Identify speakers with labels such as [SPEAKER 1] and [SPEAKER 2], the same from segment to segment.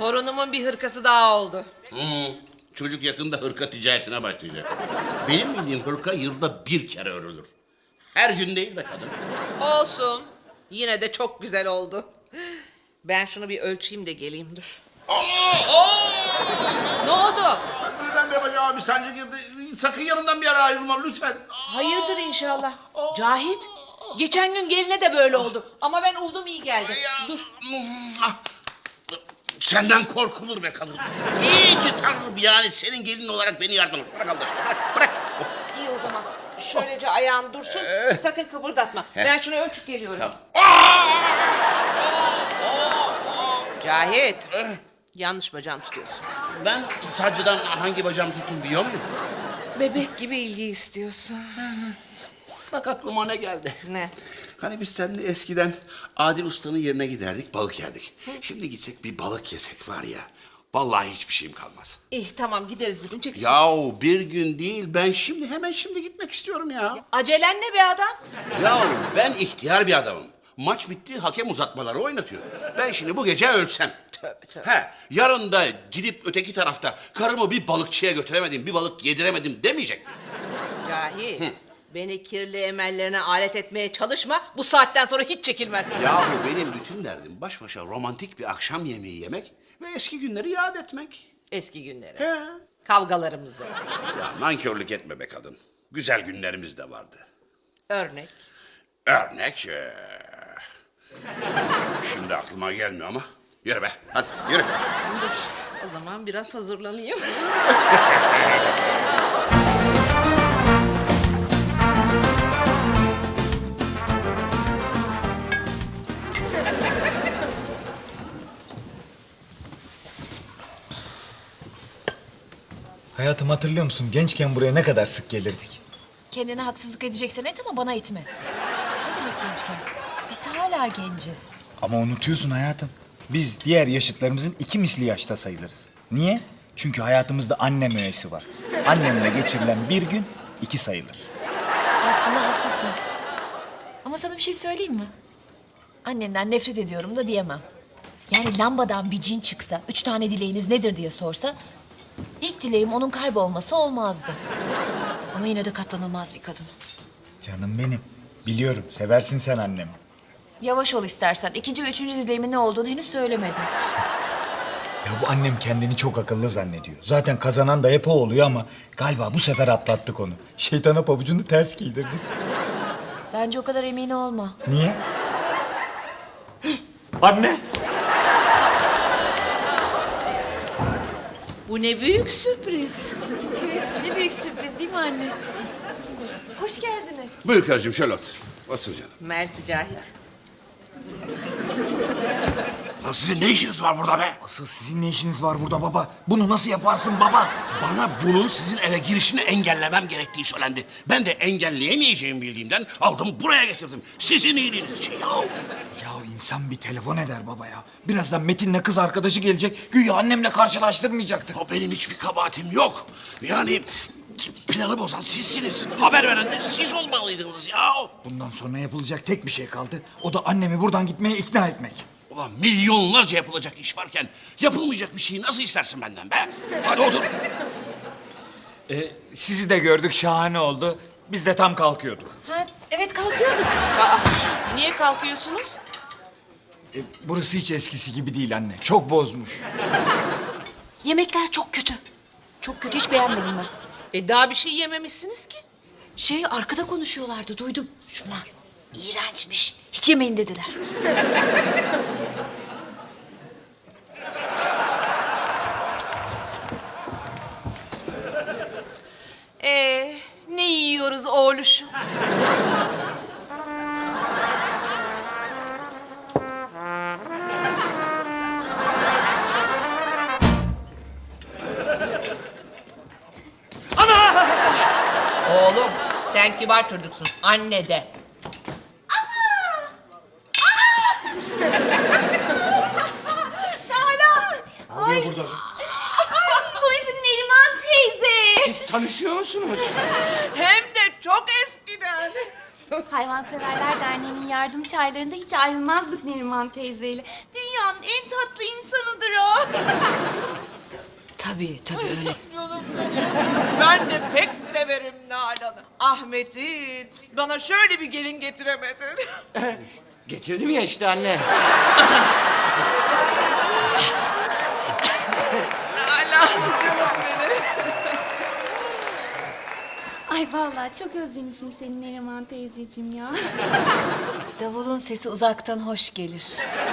[SPEAKER 1] Torunumun bir hırkası daha oldu.
[SPEAKER 2] Çocuk yakında hırka ticaretine başlayacak. Benim bildiğim hırka yılda bir kere örülür. Her gün değil be kadın.
[SPEAKER 1] Olsun. Yine de çok güzel oldu. Ben şunu bir ölçeyim de geleyim, dur. Ne oldu?
[SPEAKER 2] Birdenbire bacağıma bir sancı girdi. Sakın yanımdan bir ara ayrılma lütfen.
[SPEAKER 1] Hayırdır inşallah. Cahit, geçen gün geline de böyle oldu. Ama ben uldum, iyi geldi. Dur.
[SPEAKER 2] Senden korkulur be kadın. İyi ki Tanrım yani senin gelin olarak beni yardım et. Bırak Allah aşkına, bırak.
[SPEAKER 1] İyi o zaman. Şöylece ayağın dursun. Sakın kıpırdatma. Ben şunu ölçüp geliyorum. Cahit. Yanlış bacağını tutuyorsun.
[SPEAKER 2] Ben sancıdan hangi bacağımı tuttum biliyor muyum?
[SPEAKER 1] Bebek gibi ilgi istiyorsun.
[SPEAKER 2] Bak aklıma ne geldi.
[SPEAKER 1] Ne?
[SPEAKER 2] Hani biz seninle eskiden Adil Usta'nın yerine giderdik, balık yerdik. Şimdi gitsek bir balık yesek var ya, vallahi hiçbir şeyim kalmaz.
[SPEAKER 1] İyi tamam, gideriz bir gün. Çek.
[SPEAKER 2] Yahu bir gün değil, ben hemen şimdi gitmek istiyorum ya.
[SPEAKER 1] Acelen ne be adam?
[SPEAKER 2] Yahu ben ihtiyar bir adamım. Maç bitti, hakem uzatmaları oynatıyor. Ben şimdi bu gece ölsem.
[SPEAKER 1] Tövbe.
[SPEAKER 2] Yarın da gidip öteki tarafta karımı bir balıkçıya götüremedim, bir balık yediremedim demeyecek mi?
[SPEAKER 1] Cahit. Beni kirli emellerine alet etmeye çalışma. Bu saatten sonra hiç çekilmezsin.
[SPEAKER 2] Yahu benim bütün derdim baş başa romantik bir akşam yemeği yemek ve eski günleri yad etmek.
[SPEAKER 1] Eski günleri.
[SPEAKER 2] He.
[SPEAKER 1] Kavgalarımızı.
[SPEAKER 2] Ya nankörlük etme be kadın. Güzel günlerimiz de vardı.
[SPEAKER 1] Örnek.
[SPEAKER 2] Örnek. Şimdi aklıma gelmiyor ama. Yürü be. Hadi yürü.
[SPEAKER 1] Dur. O zaman biraz hazırlanayım.
[SPEAKER 3] Hayatım hatırlıyor musun? Gençken buraya ne kadar sık gelirdik.
[SPEAKER 4] Kendine haksızlık edeceksen et ama bana etme. Ne demek gençken? Biz hala genciz.
[SPEAKER 3] Ama unutuyorsun hayatım. Biz diğer yaşıtlarımızın 2 misli yaşta sayılırız. Niye? Çünkü hayatımızda annem öğesi var. Annemle geçirilen bir gün 2 sayılır.
[SPEAKER 4] Aslında haklısın. Ama sana bir şey söyleyeyim mi? Annenden nefret ediyorum da diyemem. Yani lambadan bir cin çıksa, 3 tane dileğiniz nedir diye sorsa... ...ilk dileğim onun kaybolması olmazdı. Ama yine de katlanılmaz bir kadın.
[SPEAKER 3] Canım benim. Biliyorum seversin sen annemi.
[SPEAKER 4] Yavaş ol istersen. 2. ve 3. dileğimin ne olduğunu henüz söylemedim.
[SPEAKER 3] Ya bu annem kendini çok akıllı zannediyor. Zaten kazanan da hep o oluyor ama galiba bu sefer atlattık onu. Şeytana pabucunu ters giydirdik.
[SPEAKER 4] Bence o kadar emin olma.
[SPEAKER 3] Niye? Anne!
[SPEAKER 1] Bu ne büyük sürpriz.
[SPEAKER 4] Evet, ne büyük sürpriz değil mi anne? Hoş geldiniz.
[SPEAKER 2] Buyur karıcığım şöyle otur. Otur canım.
[SPEAKER 1] Mersi Cahit.
[SPEAKER 2] Lan sizin ne işiniz var burada be?
[SPEAKER 3] Asıl sizin ne işiniz var burada baba? Bunu nasıl yaparsın baba?
[SPEAKER 2] Bana bunun sizin eve girişini engellemem gerektiği söylendi. Ben de engelleyemeyeceğimi bildiğimden aldım buraya getirdim. Sizin iyiliğiniz için ya.
[SPEAKER 3] Ya insan bir telefon eder baba ya. Birazdan Metin'le kız arkadaşı gelecek. Güya annemle karşılaştırmayacaktı.
[SPEAKER 2] O benim hiçbir kabahatim yok. Yani planı bozan sizsiniz. Haber veren de siz olmalıydınız ya.
[SPEAKER 3] Bundan sonra yapılacak tek bir şey kaldı. O da annemi buradan gitmeye ikna etmek.
[SPEAKER 2] Ulan milyonlarca yapılacak iş varken yapılmayacak bir şeyi nasıl istersin benden be? Hadi otur.
[SPEAKER 3] Sizi de gördük, şahane oldu. Biz de tam kalkıyorduk.
[SPEAKER 4] Ha, evet kalkıyorduk.
[SPEAKER 1] Aa, niye kalkıyorsunuz?
[SPEAKER 3] Burası hiç eskisi gibi değil anne. Çok bozmuş.
[SPEAKER 4] Yemekler çok kötü. Çok kötü, hiç beğenmedim ben.
[SPEAKER 1] Daha bir şey yememişsiniz ki.
[SPEAKER 4] Arkada konuşuyorlardı, duydum. Şunlar iğrençmiş. Hiç yemeyin dediler.
[SPEAKER 1] Ne yiyoruz oğluşum? Oğlum, sen kibar çocuksun. Anne de.
[SPEAKER 5] Ay, bu bizim Neriman teyze.
[SPEAKER 2] Siz tanışıyor musunuz?
[SPEAKER 1] Hem de çok eskiden.
[SPEAKER 5] Hayvanseverler Derneği'nin yardım çaylarında hiç ayrılmazdık Neriman teyzeyle. Dünyanın en tatlı insanıdır o.
[SPEAKER 4] Tabii öyle.
[SPEAKER 1] Ben de pek severim Nalan'ı. Ahmet'in bana şöyle bir gelin getiremedin.
[SPEAKER 6] Getirdim ya işte anne.
[SPEAKER 1] Nalan canım benim.
[SPEAKER 5] Ay vallahi çok özlemişim seni Neriman teyzeciğim ya.
[SPEAKER 4] Davulun sesi uzaktan hoş gelir.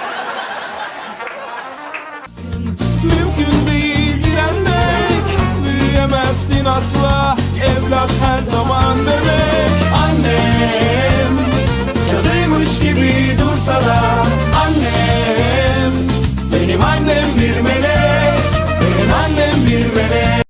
[SPEAKER 7] Mümkün değil direnmek, büyüyemezsin asla. Evlat her zaman bebek. Annem cadıymış gibi dursa da annem benim annem bir melek.